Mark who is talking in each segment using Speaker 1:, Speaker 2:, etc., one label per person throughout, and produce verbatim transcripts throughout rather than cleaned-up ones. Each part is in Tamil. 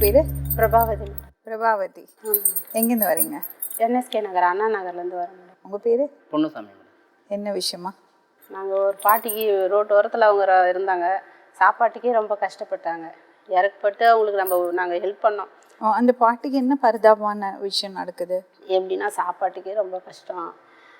Speaker 1: பேர்?
Speaker 2: பிரபாவதி.
Speaker 1: பிரபாவதி. எங்கேருந்து வரீங்க?
Speaker 2: என்எஸ்கே நகர், அண்ணா நகர்லேருந்து வரோம் மேடம்.
Speaker 1: உங்கள் பேர்?
Speaker 3: பொன்னுசாமி மேடம்.
Speaker 1: என்ன விஷயமா?
Speaker 2: நாங்கள் ஒரு பாட்டிக்கு ரோட்டு ஓரத்தில் அவங்க ர- இருந்தாங்க. சாப்பாட்டுக்கே ரொம்ப கஷ்டப்பட்டாங்க. இறக்கப்பட்டு அவங்களுக்கு நம்ம நாங்கள் ஹெல்ப் பண்ணோம்.
Speaker 1: ஓ, அந்த பாட்டிக்கு என்ன பரிதாபமான விஷயம் நடக்குது?
Speaker 2: எப்படின்னா சாப்பாட்டுக்கே ரொம்ப கஷ்டம்.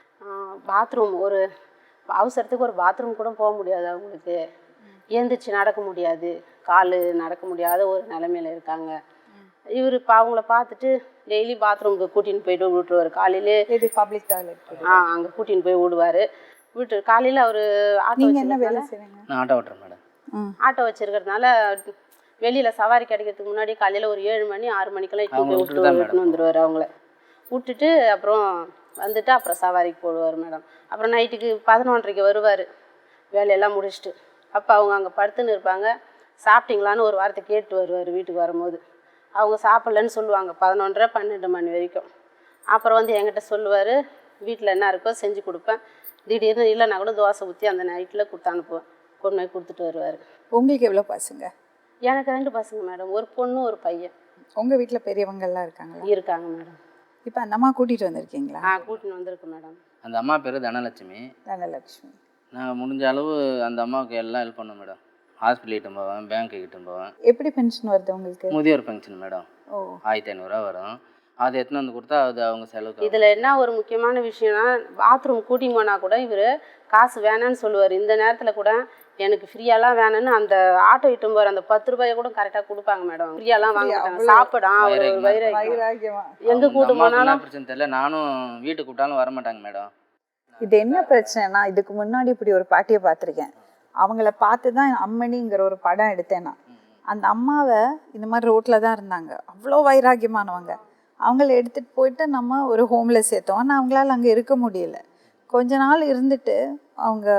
Speaker 2: பாத்ரூம் ஒரு அவசரத்துக்கு ஒரு பாத்ரூம் கூட போக முடியாது அவங்களுக்கு. எழுந்திரிச்சு நடக்க முடியாது, கால் நடக்க முடியாத ஒரு நிலமையில இருக்காங்க. இவர் இப்போ அவங்கள பார்த்துட்டு டெய்லி பாத்ரூமுக்கு கூட்டின்னு போயிட்டு விட்டுருவார். காலையிலே
Speaker 1: இது பப்ளிக் டாய்லெட்.
Speaker 2: ஆ அங்கே கூட்டின்னு போய் விடுவார். விட்டு காலையில் அவர் ஆட்டோ
Speaker 1: நீங்கள் என்ன வேலை
Speaker 2: வச்சிருக்கறதுனால
Speaker 1: செய்றீங்க?
Speaker 3: நான் ஆட்டோ ஓட்டுறேன் மேடம்.
Speaker 1: ம்.
Speaker 2: ஆட்டோ வச்சிருக்கிறதுனால வெளியில் சவாரி கிடைக்கிறதுக்கு முன்னாடி காலையில் ஒரு ஏழு மணி ஆறு மணிக்கெல்லாம் இட்டு
Speaker 3: அவங்கள
Speaker 2: போய்
Speaker 3: விட்டுட்டு
Speaker 2: விட்டு
Speaker 3: தான்
Speaker 2: விட்டுன்னு
Speaker 3: மேடம்
Speaker 2: வந்துடுவார். அவங்கள விட்டுட்டு அப்புறம் வந்துட்டு அப்புறம் சவாரிக்கு போடுவார் மேடம். அப்புறம் நைட்டுக்கு பதினொன்றரைக்கு வருவார் வேலையெல்லாம் முடிச்சுட்டு. அப்போ அவங்க அங்கே படுத்துன்னு இருப்பாங்க. சாப்பிட்டீங்களான்னு ஒரு வார்த்தை கேட்டு வருவார் வீட்டுக்கு வரும்போது. அவங்க சாப்பிட்லன்னு சொல்லுவாங்க பதினொன்றரை பன்னெண்டு மணி வரைக்கும். அப்புறம் வந்து என்கிட்ட சொல்லுவார், வீட்டில் என்ன இருக்கோ செஞ்சு கொடுப்பேன். திடீர்னு இல்லைன்னா கூட தோசை ஊற்றி அந்த நைட்டில் கொடுத்து அனுப்புவேன். கொண்டு போய் கொடுத்துட்டு வருவார்.
Speaker 1: உங்களுக்கு எவ்வளோ பசங்க?
Speaker 2: எனக்கு ரெண்டு பசங்க மேடம், ஒரு பொண்ணு ஒரு பையன்
Speaker 1: உங்கள் வீட்டில் பெரியவங்கெல்லாம் இருக்காங்களா?
Speaker 2: இருக்காங்க மேடம்.
Speaker 1: இப்போ அந்த அம்மா கூட்டிகிட்டு வந்திருக்கீங்களா?
Speaker 2: ஆ கூட்டின்னு வந்திருக்கு மேடம்.
Speaker 3: அந்த அம்மா பேர் தனலட்சுமி.
Speaker 1: தனலட்சுமி.
Speaker 3: நான் முடிஞ்ச அளவு அந்த அம்மாவுக்கு எல்லாம் ஹெல்ப் பண்ணேன் மேடம். ஹாஸ்பிட்டல் கிட்டும் போவேன், பேங்க்கு கிட்டும் போவேன்.
Speaker 1: எப்படி பென்ஷன் வருது உங்களுக்கு?
Speaker 3: முதியோர் பென்ஷன் மேடம்.
Speaker 1: ஓ,
Speaker 3: ஆயிரத்தி ஐநூறுரூவா வரும். அதை எடுத்துன்னு வந்து கொடுத்தா அது அவங்க செலவுக்கு.
Speaker 2: இதில் என்ன ஒரு முக்கியமான விஷயம்னா, பாத்ரூம் கூட்டின்னு போனால் கூட இவர் காசு வேணான்னு சொல்லுவார். இந்த நேரத்தில் கூட எனக்கு ஃப்ரீயாலாம் வேணும்னு அந்த ஆட்டோ இட்டும் போகிற அந்த பத்து ரூபாயை கூட கரெக்டாக கொடுப்பாங்க மேடம். ஃப்ரீயாலாம் வாங்க மாட்டாங்க. சாப்பிடா ஒரு
Speaker 3: வைராக்கியமா
Speaker 2: வைராக்கியம்.
Speaker 1: வைராக்கியமா.
Speaker 2: எங்கே கூட்டு போனாலும்
Speaker 3: பிரச்சனை தெரியல. நானும் வீட்டுக்கு கூட்டாலும் வர மாட்டாங்க மேடம்.
Speaker 1: இது என்ன பிரச்சனைனா, இதுக்கு முன்னாடி இப்படி ஒரு பாட்டியை பார்த்துருக்கேன். அவங்கள பார்த்து தான் அம்மணிங்கிற ஒரு படம் எடுத்தேன் நான். அந்த அம்மாவை இந்த மாதிரி ரோட்டில் தான் இருந்தாங்க, அவ்வளோ வைராக்கியமானவங்க. அவங்கள எடுத்துகிட்டு போயிட்டு நம்ம ஒரு ஹோமில் சேர்த்தோம். ஆனால் அவங்களால அங்கே இருக்க முடியல. கொஞ்ச நாள் இருந்துட்டு அவங்க,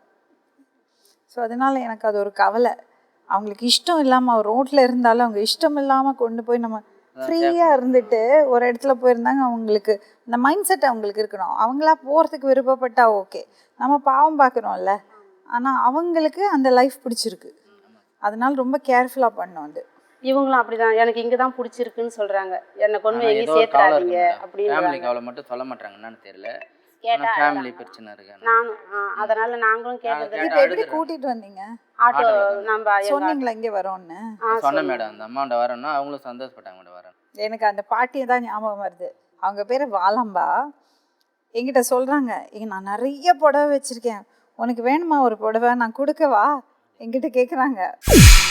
Speaker 1: ஸோ அதனால் எனக்கு அது ஒரு கவலை. அவங்களுக்கு இஷ்டம் இல்லாமல் அவர் ரோட்டில் இருந்தாலும் அவங்க இஷ்டம் இல்லாமல் கொண்டு போய் நம்ம ஃப்ரீயாக இருந்துட்டு ஒரு இடத்துல போயிருந்தாங்க. அவங்களுக்கு இந்த மைண்ட் செட் அவங்களுக்கு இருக்கணும். அவங்களா போகிறதுக்கு விருப்பப்பட்டா ஓகே, நம்ம பாவம் பார்க்குறோம்ல. ஆனால் அவங்களுக்கு அந்த லைஃப் பிடிச்சிருக்கு, அதனால ரொம்ப கேர்ஃபுல்லாக பண்ணோம். அது
Speaker 2: இவங்களும் அப்படிதான், எனக்கு இங்கே தான் பிடிச்சிருக்குன்னு சொல்கிறாங்க. என்னை கொண்டு போய் எங்கேயும் சேர்த்துறாதீங்க அப்படின்னு
Speaker 3: ஃபேமிலிக்கு அவ்வளோ மட்டும் சொல்ல மாட்டாங்க. என்னன்னு தெரியல.
Speaker 2: கேட்டா
Speaker 3: ஃபேமிலி பிரச்சனை இருக்கு.
Speaker 2: நானும் ஆ, அதனால நாங்களும் கேட்கறது.
Speaker 1: இப்போ எப்படி கூட்டிகிட்டு வந்தீங்க?
Speaker 2: ஆட்டோ நம்ம எங்க
Speaker 1: சொன்னீங்களா இங்கே வரோன்னு?
Speaker 2: ஆ
Speaker 3: சொன்னேன் மேடம். அந்த அம்மாண்ட வரேன்னா அவங்களும் சந்தோஷப்பட்டாங்க மேடம் வரேன்.
Speaker 1: எனக்கு அந்த பாட்டியை தான் ஞாபகம் வருது. அவங்க பேர் வாலம்பா. என்கிட்ட சொல்கிறாங்க, இங்கே நான் நிறைய புடவை வச்சுருக்கேன், உனக்கு வேணுமா ஒரு புடவை, நான் கொடுக்கவா என்கிட்ட கேட்குறாங்க.